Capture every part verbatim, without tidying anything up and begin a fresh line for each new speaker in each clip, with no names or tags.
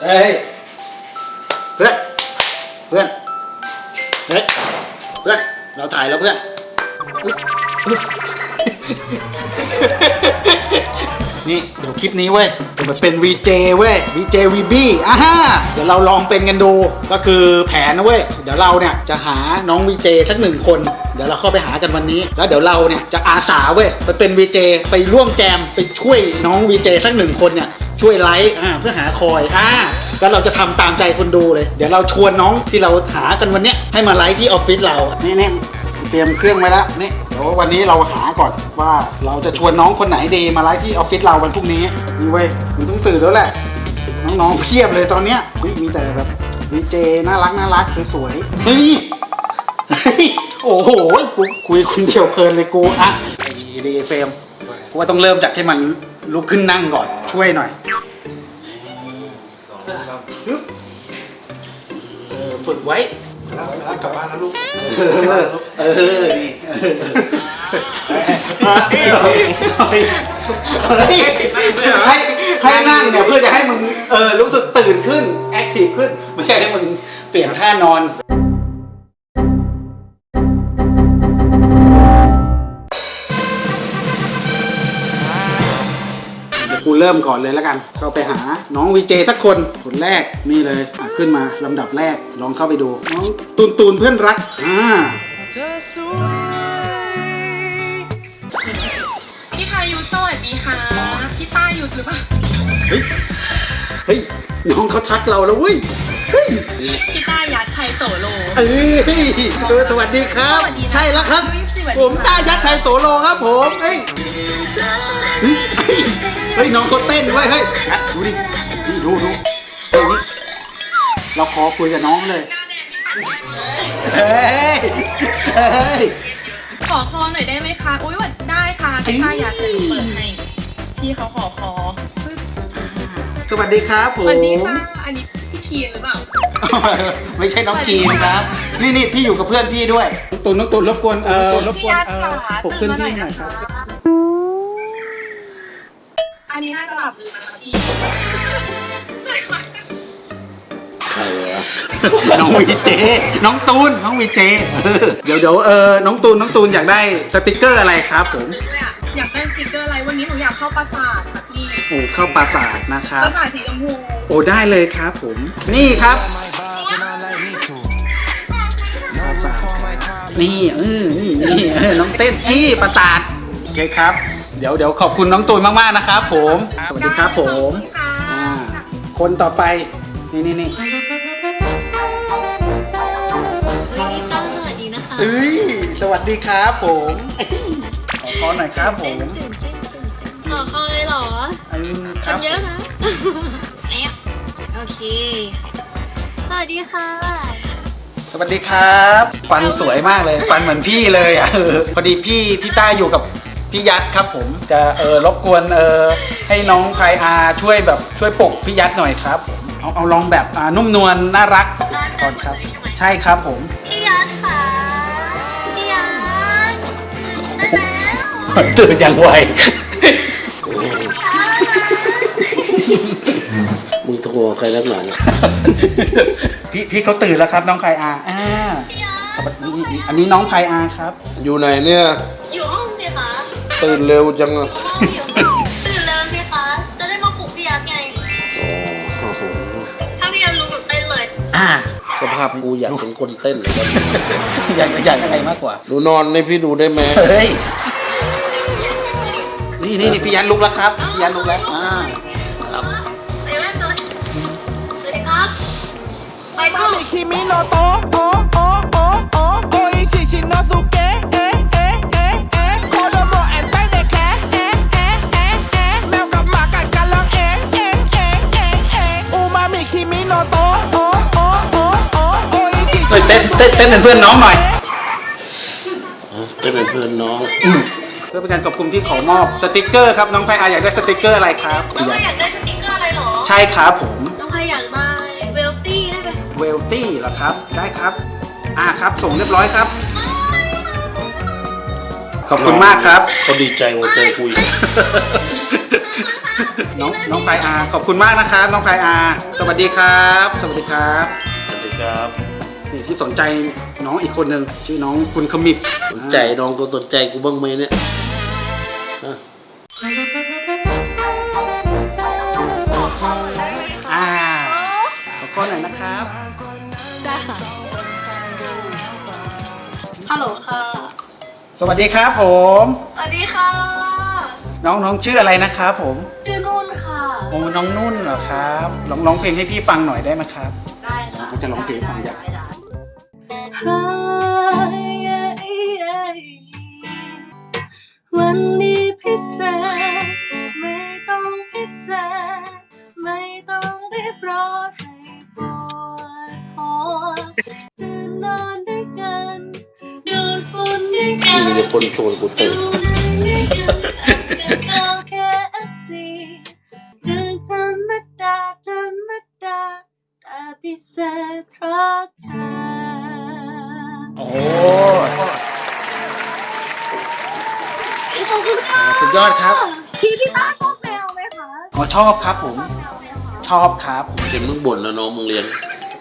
เฮ้ยเพื่อนเพื่อนเฮ้ยเพื่อนเราถ่ายแล้วเพื่อนนี่เดี๋ยวคลิปนี้เว้ยจะมาเป็น วี เจ เว้ย วี เจ วี บี อ่าฮะเดี๋ยวเราลองเป็นกันดูก็คือแผนนะเว้ยเดี๋ยวเราเนี่ยจะหาน้อง วี เจ สักหนึ่งคนเดี๋ยวเราเข้าไปหากันวันนี้แล้วเดี๋ยวเราเนี่ยจะอาสาเว้ยไปเป็น วี เจ ไปร่วมแจมไปช่วยน้อง วี เจ สักหนึ่งคนเนี่ยช่วยไลฟ์อ่าเพื่อหาคอยอ่าแล้วเราจะทำตามใจคนดูเลยเดี๋ยวเราชวนน้องที่เราหากันวันเนี้ยให้มาไลฟ์ที่ออฟฟิศเรานี่นี่เตรียมเครื่องไว้แล้วนี่เดี๋ยววันนี้เราหาก่อนว่าเราจะชวนน้องคนไหนดีมาไลฟ์ที่ออฟฟิศเราวันพรุ่งนี้นี่เว้ยมึงต้องตื่นแล้วแหละน้องๆเพียบเลยตอนเนี้ยมีแต่แบบวีเจน่ารักน่ารักสวยๆเฮ้ยโอ้โหกูคุยคนเดียวเพลินเลยกูอ่ะไอ้ดีเฟมกูว่าต้องเริ่มจากให้มันลุกขึ้นนั่งก่อนช่วยหน่อยเออฝึกไว้
แล้วกลับบ้านแล้วลูก
เออนี่ให้ให้นั่งเนี่ยเพื่อจะให้มึงเออรู้สึกตื่นขึ้นแอคทีฟขึ้นไม่ใช่ให้มึงเปลี่ยนท่านอนกูเริ่มก่อนเลยแล้วกันเข้าไปหาน้องวีเจสักคนคนแรกนี่เลยขึ้นมาลำดับแรกลองเข้าไปดูน้องตูนตูนเพื่อนรักอ่า
พี่ทายุสวัสดีค่ะพี่ต้ายุหรือเปล่า
เฮ้ยเฮ้ยน้องเขาทักเราแล้วเว้ยเฮ้ย
พี่ต้ายัดชัยโสโล
เฮ้ยสวัสดีครับใช่แล้วครับผมต้ายัดชัยโสโลครับผมเฮ้ยเฮ้ยน้องเขาเต้นด้วยเฮ้ยดูดิดูดูเฮ้ยเราขอคุยกับน้องเลยเฮ้ยเฮ้ย
ขอคอหน่อยได้ไหมคะอุ้ยวัดได้ค่ะพี่ต้ายัดจะเปิดให้พี่เขาขอคอ
สวัสดีครับผม
สวัสดีค่ะอันนี้พี่คีนหรือเปล่า
ไม่ใช่น้องคีนครับนี่นี่พี่อยู่กับเพื่อนพี่ด้วยตุนน้องตุนรบกวนเออรบกวนเออปลุกเพื่อนพี่หน่อยครับ
อันนี้น่าจะหลับอยู่นะคะพี่
ใครวะน้องวีเจน้องตูนน้องวีเจเดี๋ยวเดี๋ยวเออน้องตูนน้องตูนอยากได้สติกเกอร์อะไรครับผม
อยากได้สติกเกอร์อะไรวันนี้หนูอยากเข้าปราสาทค่ะพี่
โอ้เข้าปราสาทนะครับ
ปราสาทสีชมพู
โอ้ได้เลยครับผมนี่ครับนี่เออนี่นี่เออน้องเต้นนี่ปราสาทโอเคครับเดี๋ยวเดี๋ยวขอบคุณน้องตูนมากๆนะครับผมสวัสดีครับผมอ่าคนต่อไปนี่นี่นี่
สวัสดีนะคะ
เอ้ยสวัสดีครับผมขอขอหน่อยครับผม
ขอคอเลยเหรอ
ครับ
เยอะนะโอเคสวัสดีค่ะ
สวัสดีครับฟันสวยมากเลยฟันเหมือนพี่เลยอ่ะพอดีพี่พี่ต้าอยู่กับพี่ยัดครับผมจะเออรบกวนเออให้น้องไคอาช่วยแบบช่วยปลุกพี่ยัดหน่อยครับผมเอาเอาลองแบบอ่านุ่มนวลน่ารักก่อนครับใช่ครับผม
พี่ยัดค่ะพี่ยัดได้แล้ว
ตื่นอย่างไว
มึงโทรใครนักหนา
พี่พี่เขาตื่นแล้วครับน้องไคอาอ่าสวัสดีอันนี้น้องไคอาครับ
อยู่ไหนเนี่ย
อยู่ห้องสิคะ
ตื่นเร็วจังอะ
ตื่นเร็วสิคะจะได้มาปลุกพี่ยัดไงถ้าพี่ยัดรู้แบบเต้นเลย
อ่า
สภาพกูอยากเป็นคนเต้นเลย
อยากอยากอะไรมากกว่า
หนูนอนในพี่ดูได้ไหม
เฮ้ยนี่นี่นี่พี่ยัดลุกแล้วครับพี่ยัดลุกแล้วอ่า
ครับไปแม่ตัวสวัสดีครับไปก็
คิมิโนโตะโอโอโอโอโออิชิชิโนสุเกะเอะเอะเอะเอะโคโดโมแอนไตเดแคเอะเอะเอะเอะแมวกับหมากัดกันร้องเอะเอะเอะเอะเอะอูมามิคิมิโนโตะโอโอโอโอโออิชิชิ
เต้นเต้นเต้นเป็นเพื่อนน้องหน่อย
เต้นเป็นเพื่อนน้อง
เพื่อเป็นการขอบคุณที่ขอมอบสติกเกอร์ครับน้องไพอาอยากได้สติกเกอร์อะไรครับ
น้องไพอยากได้สติกเกอร์อะไรหรอ
ใช่ครับผม
น้องไพอยากได้เวลตี้ได้ไหม
เวลตี้เหรอครับได้ครับอ่าครับส่งเรียบร้อยครับขอบคุณมากครับ
เขาดีใจว่าเจอคุย
น้องน้องพายอาขอบคุณมากนะครับน้องพายอาสวัสดีครับ สวัสดีครับ
สวัสดีครับ
นี่ที่สนใจน้องอีกคนหนึ่งชื่อน้องคุณขมิบ
สนใจน้องก็สนใจกูบ้างไหมเนี่ยฮะ
อ่าขอข้อหน่อยนะครับ
ได้ค่ะ ฮัลโหลค่ะ
สวัสดีครับผม
สวัสดีค่ะ
น้องน้องชื่ออะไรนะครับผม
ชื่อนุ่นค่ะ
โอ้น้องนุ่นเหรอครับลองร้องเพลงให้พี่ฟังหน่อยได้ไหมครับ
ได้ค่ะ
ก็จะร้องเพลงให้ฟังจ้ะ
ได้ได้วันนี้พิเศษไม่ต้องพิเศษไม่ต้องรีบร้อนให้ปวดหัวตื่นนอนด้วยกันดูดฝุ่นด้วยกั
มี
น
แต่คนชวนกูตื่น
ดูหนังด้วยกันจัดกันก็แค่ เอฟ ซี เรื่องธรรมดาธรรมดาแต่พิเศษเพราะเธอ
โอ้
ขอบคุณค่ะ
สุดยอดครับ
พี่พี่ต้าชอบแมวไหมคะ
อ๋อชอบครับผม ชอบครับ
เห็นมึงบ่นแล้วน้องมึงเลี้ยง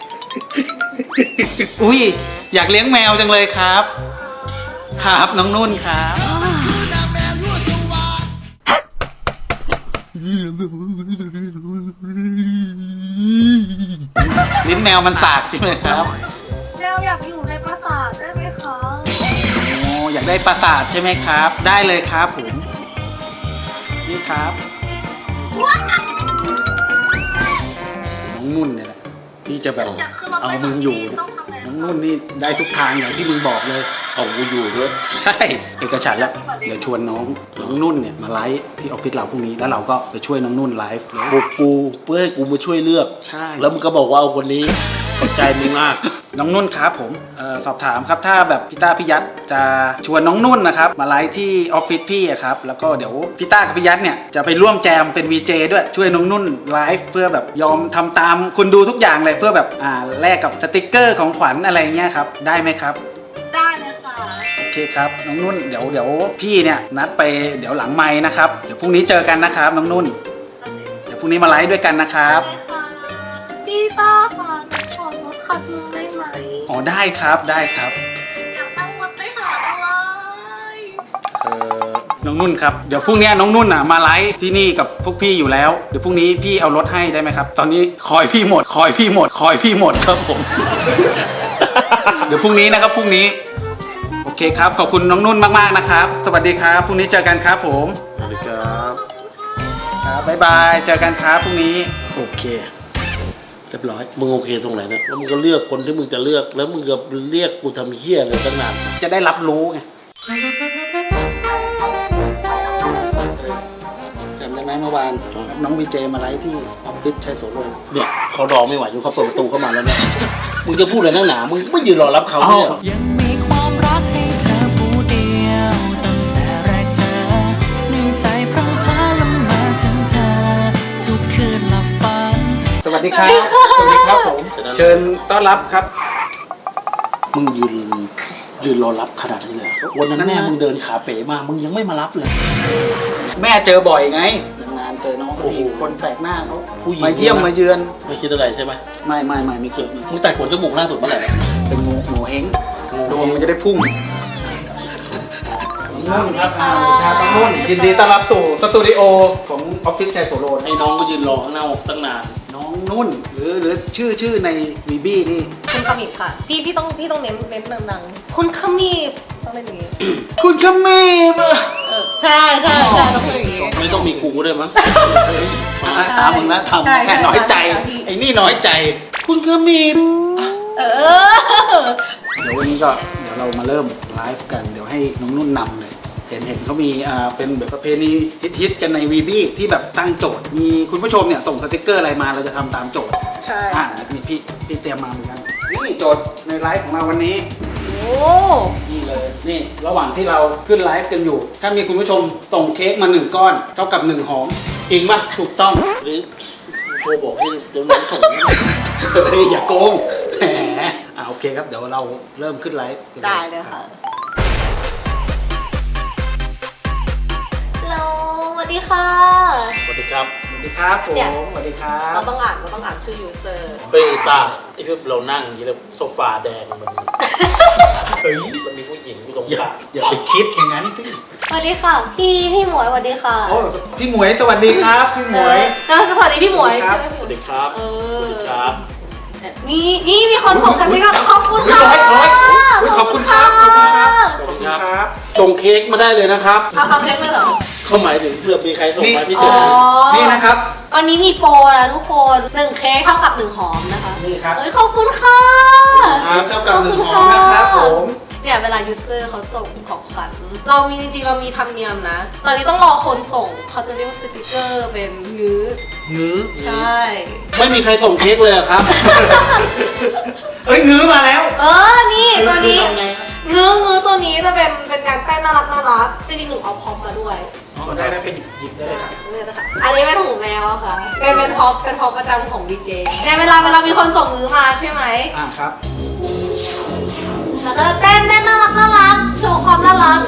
อุ้ยอยากเลี้ยงแมวจังเลยครับ ครับน้องนุ่นครับ ลิ้นแมวมันสากใช่ไหมครับ
แมวอยากอยู่ในปราสาทได้ไหมคะ
โอ้อยากได้ปราสาทใช่ไหมครับ ได้เลยครับผม นี่ครับ น้องนุ่นเนี่ยแหละที่จะแบบ
อยากขึ้นรถ
เอา
ไป
มึงอยู่
ต้องทำไง
น้องนุ่นนี่ได้ทุกทางอย่างที่มึงบอกเลย
เอากูอยู่ด้วย
ใช่เอกฉันท์แล้วเดี๋ยวชวนน้องน้องนุ่นเนี่ยมาไลฟ์ที่ออฟฟิศเราพรุ่งนี้แล้วเราก็ไปช่วยน้องนุ่นไลฟ์
บุกกูเพื่อให้กูมาช่วยเลือก
ใช่
แล้วมึงก็บอกว่าเอาคนนี้ขอบใจมึงมาก
น้องนุ่นครับผมเออสอบถามครับถ้าแบบพี่ต้าพี่ยัดจะชวนน้องนุ่นนะครับมาไลฟ์ที่ออฟฟิศพี่อะครับแล้วก็เดี๋ยวพี่ต้ากับพี่ยัดเนี่ยจะไปร่วมแจมเป็น วี เจ ด้วยช่วยน้องนุ่นไลฟ์เพื่อแบบยอมทำตามคุณดูทุกอย่างเลยเพื่อแบบอ่าแลกกับสติกเกอร์ของขวัญอะไรเงี้ยครับได้ไหมครับ
ได้เลยค่ะ
โอเคครับน้องนุ่นเดี๋ยวเดี๋ยวพี่เนี่ยนัดไปเดี๋ยวหลังไม้นะครับเดี๋ยวพรุ่งนี้เจอกันนะครับน้องนุ่นเดี๋ยวพรุ่งนี้มาไลฟ์ด้วยกันนะครับ
พี่ต้าค่ะหนูขอรถคันนึงได้ไหม
อ๋อได้ครับได้ครับ
อยากนั่งรถไปหาอะไร
เออน้องนุ่นครับเดี๋ยวพรุ่งนี้น้องนุ่นอ่ะมาไลฟ์ที่นี่กับพวกพี่อยู่แล้วเดี๋ยวพรุ่งนี้พี่เอารถให้ได้ไหมครับ ตอนนี้คอยพี่หมด คอยพี่หมด คอยพี่หมดครับผม เดี๋ยวพรุ่งนี้นะครับพรุ่งนี้โอเคครับขอบคุณน้องนุ่นมากๆนะครับ สวัสดีครับพรุ่งนี้เจอกันครับผม
สวัสดีครับ
ครับบ๊ายบายเจอกันครับพรุ่งนี้โอเคเรียบร้อย
มึงโอเคตรงไหนเนี่ยแล้วมึงก็เลือกคนที่มึงจะเลือกแล้วมึงก็เรียกกูทำเหี้ยอะไรตั้งนาน
จะได้รับรู้ไงจำได้ไหมเมื่อวานน้องวีเจมาไลฟ์ที่ออฟฟิศชัยโสรน
เนี่ยเขารอไม่ไหวอยู่เขาเปิดประตูเข้ามาแล้วเนี่ยมึงจะพูดอะไรนักหนามึงไม่ยืนรอรับเขาเนี่ยเหรอ
ยังมีความรักให้เธอผู้เดียวตั้งแต่แรกเจอในใจพรั่งพร้าละเมาถึงเธอ ทุกคืนหลับฝัน
สวัสดีครับสวัสดีครับผมเชิญต้อนรับครับ
มึงยืนยืนรอรับขนาดนี้เลยเหรอวันนั้นแม่มึงเดินขาเป๋มามึงยังไม่มารับเลย
แม่เจอบ่อยไงนานๆเจอน้องเขาทีคนแปลกหน้าเขา
ผู้หญิง
มาเยี่ยมมาเยือน
ไม่คิดอะไรใช่ไหม
ไม่ไม่ไม่ไม่เกี่ยว
มึงตัดขนจมูกล่าสุดเมื่อไหร่เนี่ย
เป็นงูงูเฮงดวงมันจะได้พุ่งน้องนุ่นครับอ่าสวัสดีครับน้องนุ่นยินดีต้อนรับสู่สตูดิโอของออฟฟิศชัยโสรน
ให้น้องก็ยืนรอข้างหน้าตั้งนาน
น้องนุ่นหรือหรือชื่อชื่อในวีบี้นี่
คุณขมิบค่ะ พี่พี่ต้องพี่ต้องเน้นเน้นดังๆคุณขมิบต้องเล่นอย่างนี้
คุณขมีบ
เออใช่ใช่ใช่ต้องเป็นอย่างนี้
ไม่ต้องมีกูด้วยมั้ง
อ่ะตามมึงนะทำ
ใช่
แค่
ใช่
น้อยใจ
ใช่พี่
ไอ้นี่น้อยใจ
คุณก็มี
เออ
เดี๋ยววันนี้ก็เดี๋ยวเรามาเริ่มไลฟ์กัน เดี๋ยวให้น้องนุ่นนำเลย เห็นเห็นเขามีอ่าเป็นแบบประเพณีฮิตๆกันในวีบี้ที่แบบตั้งโจทย์ มีคุณผู้ชมเนี่ยส่งสติกเกอร์อะไรมาเราจะทำตามโจทย์
ใช่
อ่ามีพี่พี่เตรียมมาเหมือนกัน นี่โจทย์ในไลฟ์ของเราวันนี้
โอ้
นี่เลย นี่ระหว่างที่เราขึ้นไลฟ์กันอยู่ ถ้ามีคุณผู้ชมส่งเค้กมาหนึ่งก้อนเท่ากับหนึ่งหอมจริงปะถูกต้อง
หรือโทรบอกให้เดี๋ยวน้องส่ง
เฮ้ยอย่าโกงแหมอ่าโอเคครับเดี๋ยวเราเริ่มขึ้นไลฟ์กัน
ได้เลยค่ะ ฮัลโหลสวัสดี
ดีค่ะ
สวัสดีครับ
สวัสดีครับผม
เนี่ย
สวัสดีครับ
เราต้องอ่านเราต้องอ่านชื่อ user
เฮ้ยตาไอ้ที่เรานั่งอย่างนี้แล้วโซฟาแดงมันมี
เฮ้ย
มันมีผู้หญิงอยู่ตรง
อย่าก
ลาง
อย่าไปคิดอย่างนั้นที่
สวัสดีค่ะ พี่พี่หมวยสวัสดีค่ะ
โอ้พี่หมวยสวัสดีครับพี่หมวย
เออสวัสดีพี่หมวย
สวัสดีครับ
ใช่ไหม
สวัสดีครับ
เอ
สวัส
อ
ดีครับ
นี่นี่มีคนส่งกันด้วยกันขอบคุณค่ะ
ร้อยร้อยอุ๊ยขอบคุณครับขอบคุณครับ
ขอบคุณครับ ส่งเค้กมาได้เลยนะครับ
เอาเอาเค้กเลยเหรอ
เขาหมายถึงเพื่อมีใครส่งมาพี่
อ๋
เจ
อ
อ
นี่นะครับ
วันนี้มีโปรนะทุกคนหนึ่งเค้กเท่ากับหนึ่งหอมนะคะ
นี่ครับ
เอ้ยขอบคุณค่ะ
ครับเท่ากับหนึ่งหอมนะครับผม
เนี่ยเวลายูเซอร์เขาส่งของขวัญเรามีจริงๆเรามีธรรมเนียมนะ ตอนนี้ต้องรอคนส่งเขาจะเรียกว่าสติกเกอร์เป็นงื้อ
งื้อ
ใช่
ไม่มีใครส่งเค้กเลยเหรอครับ
เอ้ยงื้อมาแล้ว
เออ นี่ตัวนี้
ทำไงครับ
งื้องื้อตัวนี้จะเป็นเป็นการใกล้น่ารักน่ารักจริงๆหนูเอาพร็อพมาด้วย
อ๋อได้ได้ไปหยิบหยิบได้เลยครับ
นี่นะคะอันนี้เป็นหูแมวอะค่ะ เป็นเป็นพร็อพเป็นพร็อพประจำของวีเจในเวลาเวลามีคนส่งงื้อมาใช่ไหม
อ่าครับ
แล้วก็เต้นเต้นน่ารักน่ารักโชว์ความน่ารัก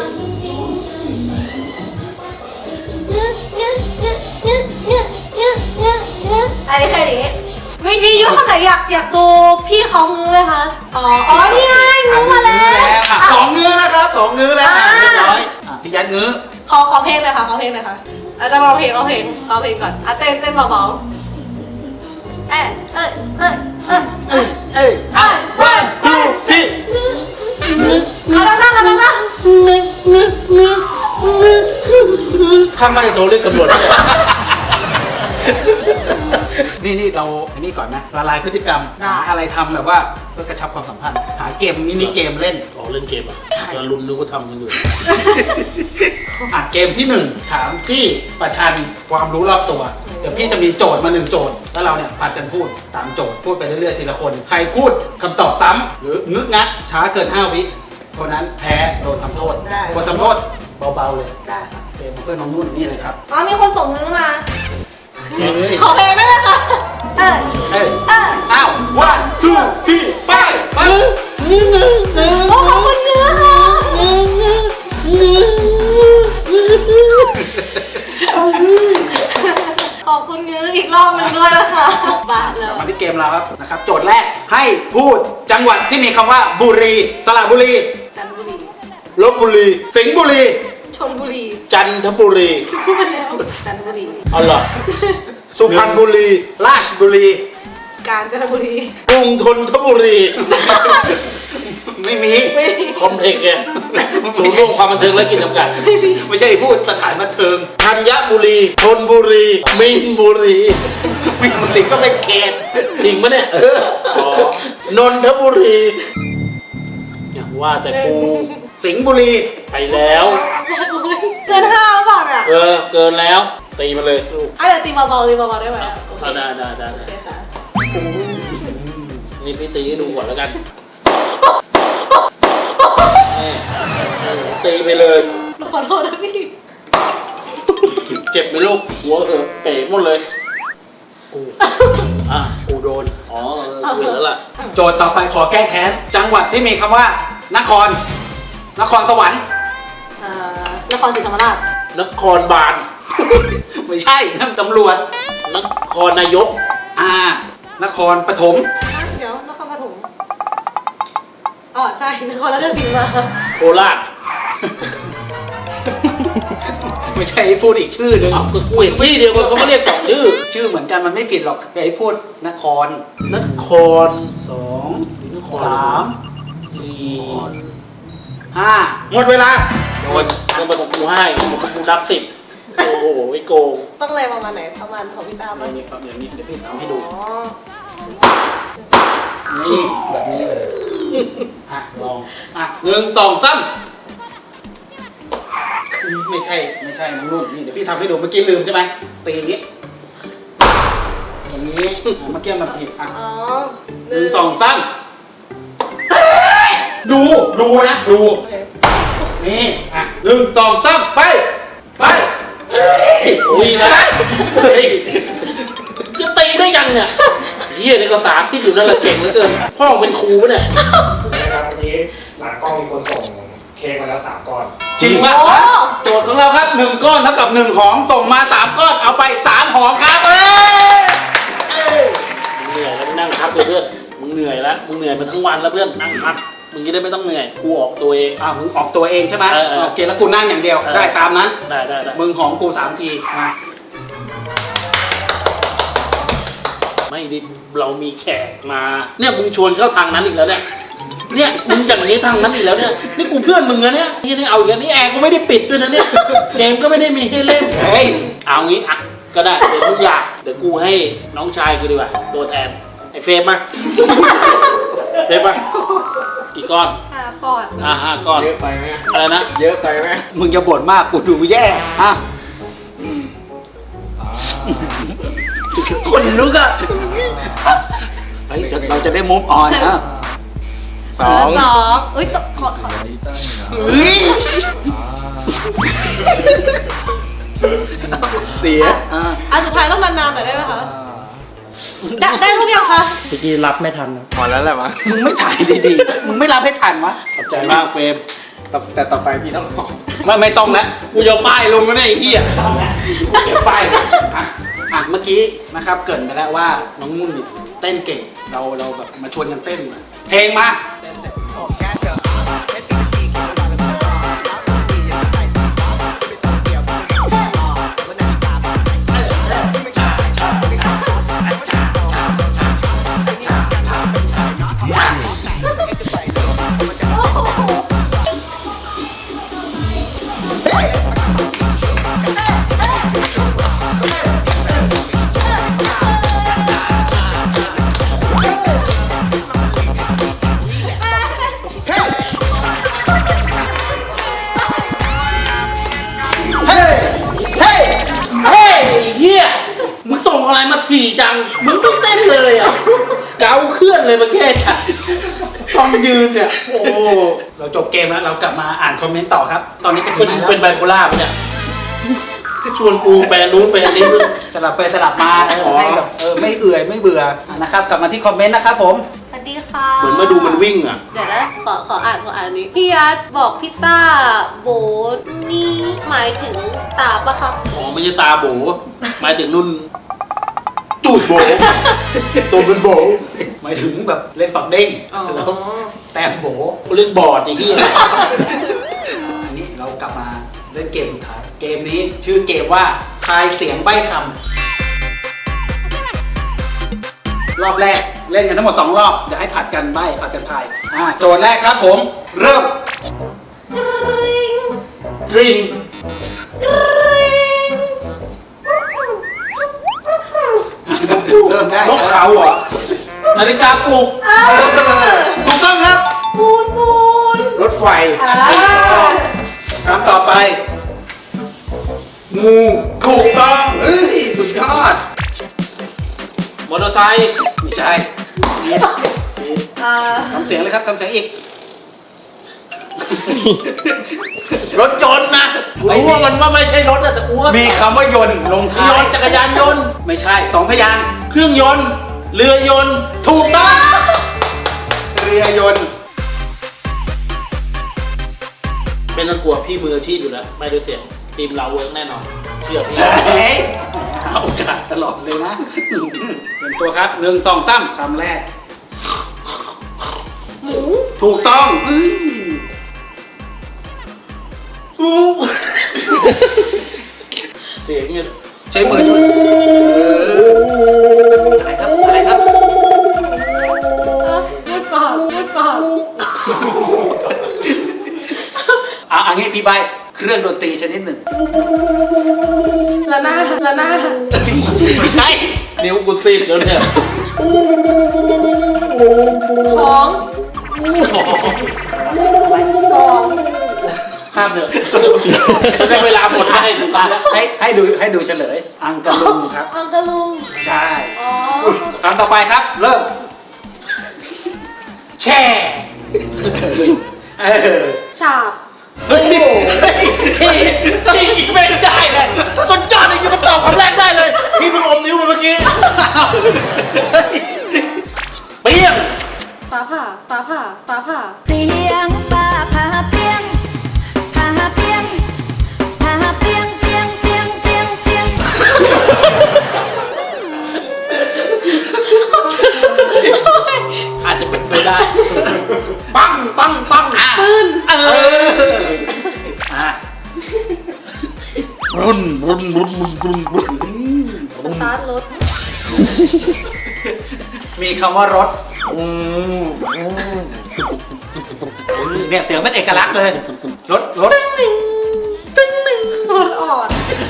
อันนี้แค่นี้วิธียุคนไหนอยากอยากดูพี่เขางื้อไหมคะ อ๋อ อ๋อ นี่ไงงื้อมาแล้ว
อ่ะสองงื้อนะครับสองงื้อแล้วอ่ะเรียบร้อยอ่ะพี่ยัดงื้อ
ขอขอเพลงเลยค่ะขอเพลงเลยค่ะอาจจะร้องเพลงร้องเพลงร้องเพลงก่อนอ่ะเต้นเต้นเบาๆเอ๊ะเอ๊ะเอ๊ะเอ๊ะ
เอ้ยเอ้ย
เอ๊ะ
one two three
เอาดังๆเอาดัง
ข้ามมาจะโทรเรียกตำรวจได้เลย
นี่นี่เราอันนี้ก่อนนะละลายพฤติกรรมหาอะไรทำแบบว่าเพื่อกระชับความสัมพันธ์ หาเกมมินิเกมเล่น
อ๋อเล่นเกมอ่ะ
ใช่
เราลุ้นนึกว่าทำกันอยู่
อ่ะเกมที่หนึ่งถามที่ประชันความรู้รอบตัว เดี๋ยวพี่จะมีโจทย์มาหนึ่งโจทย์แล้วเราเนี่ยผัดกันพูดตามโจทย์พูดไปเรื่อยๆทีละคน ใครพูดคำตอบซ้ำหรืองึกงักช้าเกินห้าวิคนนั้นแพ้โดนทำโทษบททำโทษเบาๆเลย
ๆได้ค่ะ
เกมของเพื่อนน้องนุ่นนี่เลยครับ
อ๋อมีคนส่งมือมา
เฮ้ย
ขอเพลงได้ไหมคะเออ
เอ้ย
เออ
อ้าว one two three ไปไป
โอ้ขอบคุณเนื้อค่ะขอบคุณเนื้ออีกรอบหนึงด้วยนะคะบาทแล้ว
มาที่เกมเราครับนะครับ โจทย์แรกให้พูดจังหวัดที่มีคำว่าบุรีตลาดบุรี
จันทบุรี
ลบบุรี
สิงห์บุรี
ชลบุรี
จันทบุรี
พูดแล้วจันทบุรี
เอาเหรอสุพรรณบุรี
ราชบุรี
กาญจนบุรี
กรุงธนบุรี
ไม่มี
ไม่มี
คอมเพล็กซ์เนี่ยศูนย์รวมความบันเทิงและกิจจำกัด
ไม่ใช่พูดสถานบันเทิง
ธัญบุรีธนบุรีมีนบุรี
มีบุรีก็เป็นเขต
จริงปะเนี่ยเอออ๋อนนทบุรีเนี่ยว่าแต่กู
สิงห์บุรี
ไปแล้ว
เกินห้าหรือเปล่าเนี่ย
เออเกินแล้วตีมาเลยลูก
อ่ะเดี๋ยวตีเบาๆตีเบาๆได้ไหมโอเค
เอาได้ได้ได้
โอ
ได้
เคค่ะ
นี่พี่ตีให้ดูก่อนแล้วกันนี่ตีไปเลย
ขอโทษนะพี่
เจ็บไหมลูกหัวเออเป๋หมดเลยกูอ่ะ
กูโดน
อ๋อเออกูเห็นแล้วล่ะ
โจทย์ต่อไปขอแก้แค้น จังหวัดที่มีคำว่า นคร นครสวรรค์
เอ่อนครศรีธรรมราช
นครบาล
ไม่ใช่นั่นตำรวจ
นครนายก
อ่า นครปฐม
เดี๋ยวนครปฐมอ๋อใช่นครราชสีมา
โคราช
ไม่ใช่พูดอีกชื่อหนึง
เอาก็กูเห็นพี่เดียวกันเขาก็เรียกสองชื่อ
ชื่อเหมือนกันมันไม่ผิดหรอกแต่ให้พูดนคร
นคร
สอง
นคร
สามสี่ห้าหมดเวลา
โดนต้องไปของกูให้ของกูนับสิบโอ้โหไม่โกง
ต้องเลยประมาณไหนประมาณของพี่ตา
อ
ปะ
ย่างนี้ครับอย่างนี้เดี๋ยวพี่ทำให้ดู
อ๋อ
นี่แบบนี้เลย อ่ะลอง อ่ะหนึ่งสองสามไม่ใช่ไม่ใช่น้องนุ่นนี่เดี๋ยวพี่ทำให้ดูเมื่อกี้ลืมใช่ไหมตีอย่างนี้อย่างนี้อ่ะเมื่อกี้มันผิดอ่ะ
อ๋อ
หนึ่งสองสามดูดูนะดู
โอเค
นี่อ่ะหนึ่งสองสามไปไป
อุ้ยนะ
เฮ้ย
จะตีได้ยังเนี่ยเฮียในภาษาที่อยู่นั่นแหละเก่งเหลือเกินพ่อเป็นครูปะเนี่ย
นะครับวันนี้หลังกล้องมีคนส่งเคเค้กมาแล้วสามก้อน
จริงปะ
โอ้
โจทย์ของเราครับหนึ่งก้อนเท่ากับหนึ่งหอมส่งมาสามก้อนเอาไปสามหอมครับเอ้ยเอ้ย
มึงเหนื่อยแล้วมึงนั่งพักเลยเพื่อนมึงเหนื่อยแล้วมึงเหนื่อยมาทั้งวันแล้วเพื่อนนั่งพักมึงจะได้ไม่ต้องเหนื่อยกูออกตัวเอง
อ่ามึงออกตัวเองใช่ไหม
เออเออ
โอเคแล้วกูนั่งอย่างเดียว
เออ
ได้ตามนั้น
ได้ได้ได้
มึงหอมกูสามทีมา
ไม่ดิเรามีแขกมาเนี่ยมึงชวนเข้าทางนั้นอีกแล้วเนี่ยเนี่ยมึงอย่างนี้ทางนั้นอีกแล้วเนี่ยนี่กูเพื่อนมึงนะเนี่ยนี่นี่เอาอีกแล้วนี่แอร์กูไม่ได้ปิดด้วยนะเนี่ยเกมก็ไม่ได้มีให้เล่น
เฮ้ย
เอางี้อ่ะก็ได้เดี๋ยวทุกอย่างเดี๋ยวกูให้น้องชายกูดีกว่าตัวแทนไอ้เฟรมมาเฟรมมากี่ก้อน
ค่ะก่อน
อ่ะห้าก้อน
เยอะไปไหม
อะไรนะ
เยอะไปไหม
มึงจะบ่นมากกูดูแย่ฮะคนลุกอ่ะเฮ้ยจะเราจะได้มุฟออนนะ
สอง
สองอุ้ยตขอขอ
เฮ้ย
เสีย
อ่า
อันสุดท้ายต้องนานๆหน่อยได้ไหมคะได้ได้รูปยังคะ
เมื่อกี้รับไม่ทันนะ
พอแล้วแหละมั้ง
มึงไม่ถ่ายดีๆ มึงไม่รับให้ทันวะ
ขอบใจมากเฟรม
แต่แต่ต่อไปพี่ต้องบอก
ไม่ไม่ต้องแล้ว
กูจะป้ายลงก็ได้ไอ้เหี้ยเก็บป้ายมา
อ่ะอ่ะเมื่อกี้นะครับเกรินไปแล้วว่าน้องมุ่นนี่เต้นเก่ง เราเราแบบมาชวนกันเต้นมาเพลงมา
เฮ้ย เฮ้ย เฮ้ยไอ้เหี้ยมึงส่งอะไรมาถี่จัง มึงไม่เต้นเลยอ่ะ เกาเคลื่อนเลยมาแค่ฉันต้องยืนเนี่ย โอ้
เราจบเกมแล้วเรากลับมาอ่านคอมเมนต์ต่อครับ ตอนนี้เป็น
เป็น
ยังไง
เป็นไบ
แล้ว
โพล่าปะเนี่ยชวนกูแปลนู้นแปลนี้
สลับไปสลับมาเออ
อ๋อ
ให้แบบเออไม่เอื่อยไม่เบื่ออ่ะนะครับ กลับมาที่คอมเมนต์นะครับผม
สวัสดีค่ะ
เหมือนมาดูมันวิ่งอ่ะ
เดี๋ยวนะขอขออ่านขออ่านนี้พี่ยัดบอกพี่ต้าโบนี่หมายถึงตาปะครับ
อ๋อไม่ใช่ตาโบหมายถึงนุ่นตูดโบตัวเป็นโบ
หมายถึงแบบเล่นปักเด้ง
อ๋อ
แล้วแต้มโบ
กูเล่นบอร์ดไอ้เหี้ย
อันนี้เรากลับมาเล่นเกมสุดท้าย เกมนี้ชื่อเกมว่าทายเสียงใบ้คำรอบแรกเล่นกันทั้งหมดสองรอบเดี๋ยวให้ผัดกันใบ้ผัดกันทายอ่าโจทย์แรกครับผม เริ่ม
กริง
เริ่มได้
นกเขาเหรอนาฬิกาปลุก
ถูกต้องครับ
ปูนปูน
รถไฟ
อ่า
คำต่อไป
งูถูกต้องเฮ้ยสุดยอด
มอเตอร์ไซค์
ไม่ใช่นี่
อ่า
ทำเสียงเลยครับทำเสียงอีก
รถยนต์นะกูรู้ว่ามันว่าไม่ใช่รถอะแต่กูว่า
มีคำว่ายนต์ลง
ย
ท้าย
นต์จักรยานยนต์
ไม่ใช่สองพยางค์
เครื่องยนต์ เรือยนต์
ถูกต้องเรือยนต์
เป็นนักกลัวพี่มืออาชีพอยู่แล้วไม่ด้วยเสียงทีมเราเวิร์กแน่นอนเชื่อพี่
เฮ้ยเอาโอกาสตลอดเลยนะเตรียมตัวครับหนึ่งสองสามคำแรก
หมู
ถูกต้องอื้อ
เสียงเนี่ย
ใช้มือช่วยอะไรครับอะไรครับ
พูดเปล่าพูดเปล่า
อ่ะอันนี้พี่ใบเครื่องดนตรีชนิดหนึ่ง
ละนาดละนาด
ไม่ใช่
นิ้วกูซีดแล้วเนี่ย
ของของ
ข้ามเถอะจะได้เวลาหมดได้ถูกปะ
ให้ให้ดูให้ดูเฉลย อังกะลุงครับ
อังกะลุง
ใช่
อ๋อ
คำต่อไปครับ เริ่ม
แช่
เออ
ฉาบ
เฮ้ยทีทีอีกไม่ได้เลยสุดยอดเลยที่มันตอบคำแรกได้เลยพี่เพิ่งอมนิ้วไปเมื่อกี้เปี้ยง
ฟ้าผ่าฟ้าผ่าฟ้าผ่า
เสียงฟ้าผ่าเปรี้ยงเปียงพาเปียงเปียงเปียงเปียงเปียง
อาจจะเป็นไปได้ ปังปังปังอ่ะ
ปืน
เอออ่ะ
รุ่นรุ่นรุ่นรุ่นรุ่นรุ่น
สตาร์ทรถ
มีคำว่ารถ
อืม
เนี่ยเสียงเป็นเอกลักษณ์เลย รถรถ
รถอ่อน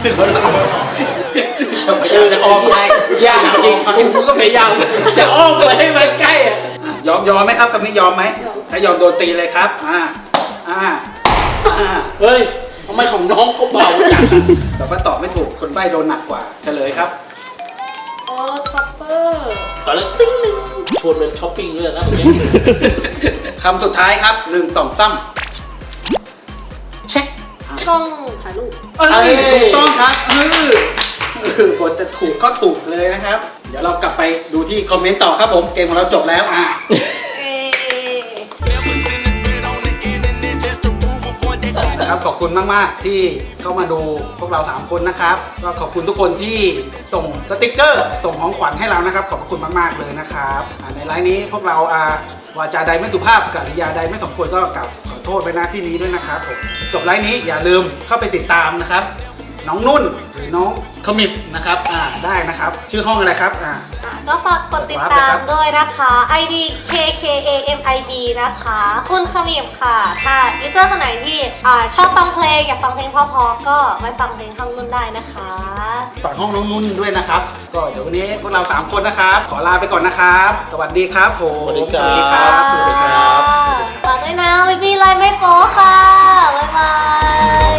จะไป
เออจะออกไปยากจริงกูก็พยายามจะอ้อมไปให้มันใกล้อ่ะ
ยอมยอมไหมครับคำนี้ยอมไหมถ้ายอมโดนตีเลยครับ อ่า อ่า อ่า
เฮ้ยทำไมของน้องก็เบาจัง
แต่ว่าตอบไม่ถูก คนใบ้โดนหนักกว่า เฉลยครับ
โอ้รถช็อปเปอร์
ตอนแรกติ้งหนึ่งชวนเป็นช้อปปิ้งเลยนะ
คำสุดท้ายครับหนึ่งสองสามเช็ค
กล้องถ่ายรูป
เอ้ยถูกต้องครับเออเออบทจะถูกก็ถูกเลยนะครับ เดี๋ยวเรากลับไปดูที่คอมเมนต์ต่อครับผม เกมของเราจบแล้วอ่ะ
เอ
ครับขอบคุณมาก ๆ ที่เข้ามาดูพวกเราสามคนนะครับก็ขอบคุณทุกคนที่ส่งสติกเกอร์ ส่งของขวัญให้เรานะครับ ขอบคุณมาก ๆ เลยนะครับอ่าในไลน์นี้พวกเราอ่าวาจาใดไม่สุภาพกริยาใดไม่สมควรก็กลับขอโทษไว้ณที่นี้ด้วยนะครับผมจบไลน์นี้อย่าลืมเข้าไปติดตามนะครับ น้องนุ่นหรือน้องขมิบนะครับอ่าได้นะครับ ชื่อห้องอะไรครับอ่า
อ่ะก็ฝากกดติดตามด้วยนะคะ ไอ ดี เค เค เอ เอ็ม ไอ บี นะคะ คุณขมิบค่ะ ถ้ายูเซอร์คนไหนที่อ่าชอบฟังเพลงอยากฟังเพลงเพอๆก็ไปฟังเพลงข้างนุ่นได้นะคะ
ฝากห้องน้องนุ่นด้วยนะครับ ก็เดี๋ยววันนี้พวกเราสามคนนะครับ ขอลาไปก่อนนะครับ สวัสดีครับผม
สวัสดีครับ
สวัสดีครับสวัสดีครับ
ฝากด้วยนะวิบีไลน์ไม่โป๊ค่ะ บ๊ายบาย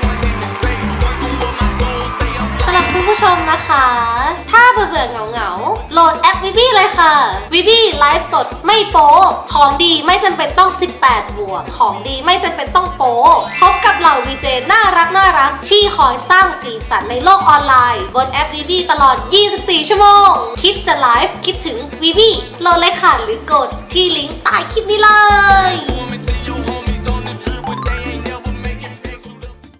สำหรับคุณผู้ชมนะคะ ถ้าเบื่อๆเหงาๆ โหลดแอปวิบีเลยค่ะ วิบีไลฟ์สดไม่โป๊ของดีไม่จำเป็นต้อง สิบแปด บวก ของดีไม่จำเป็นต้องโป๊พบกับเหล่าวีเจน่ารักน่ารักที่คอยสร้างสีสันในโลกออนไลน์ บนแอปวิบีตลอด ยี่สิบสี่ ชั่วโมง คิดจะไลฟ์คิดถึงวิบีโหลดเลยค่ะหรือกดที่ลิงก์ใต้คลิปนี้เลย